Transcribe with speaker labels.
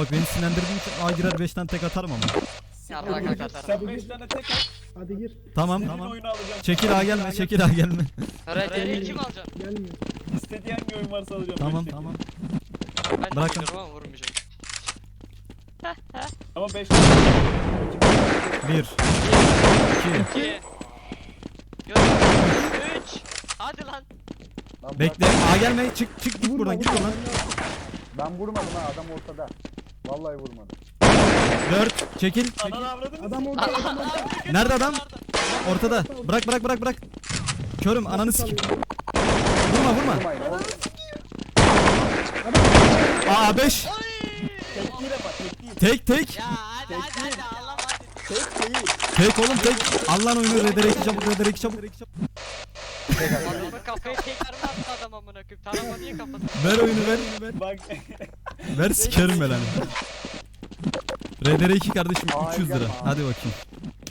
Speaker 1: bak beni sinirlendirdiğin için A girer 5 tane tek atarım ama.
Speaker 2: Ya bırak arkadaşlar.
Speaker 3: Sen 5 tane tek at.
Speaker 4: Hadi gir.
Speaker 1: Tamam
Speaker 3: Senin
Speaker 1: tamam.
Speaker 3: oyunu alacağım.
Speaker 1: Çekil A gelme, çekil A gelme.
Speaker 2: RD'yi kim alacak?
Speaker 4: Gelmiyor.
Speaker 3: İstediğin hangi oyun varsa alacağım.
Speaker 1: Tamam
Speaker 3: beş tek.
Speaker 1: tamam.
Speaker 2: Ben de
Speaker 1: Bırakın.
Speaker 2: biliyorum ama vurmayacağım.
Speaker 3: Ama 5 tane.
Speaker 1: 1 2
Speaker 2: 2 3 Hadi lan.
Speaker 5: Lan
Speaker 1: Bekle.
Speaker 5: bırak.
Speaker 1: A gelme. Çık git buradan git buradan.
Speaker 5: Ben vurmadım ha, adam ortada. Vallahi vurmadım.
Speaker 1: 4 çekil.
Speaker 3: Ananı avradın.
Speaker 4: Adam orada. Adam orada.
Speaker 1: Nerede adam? Ortada. Bırak. Körüm ananı sikeyim. Vurma.
Speaker 5: Vurmayın oğlum.
Speaker 1: A 5.
Speaker 3: Tek değil ama tek değil.
Speaker 1: Tek.
Speaker 2: Ya hadi Allah hadi.
Speaker 3: Tek değil.
Speaker 1: Tek oğlum tek. Allah'ın oyunu Redere 2 çabuk.
Speaker 2: Adamın kafayı tekrar mı attı adam amına koyayım? Tarama niye kafasını?
Speaker 1: Ver oyunu ver.
Speaker 3: Bak.
Speaker 1: Ver sikerim ben hani. Redere 2 kardeşim
Speaker 5: Aa,
Speaker 1: 300 lira.
Speaker 5: gelme abi.
Speaker 1: Hadi bakayım.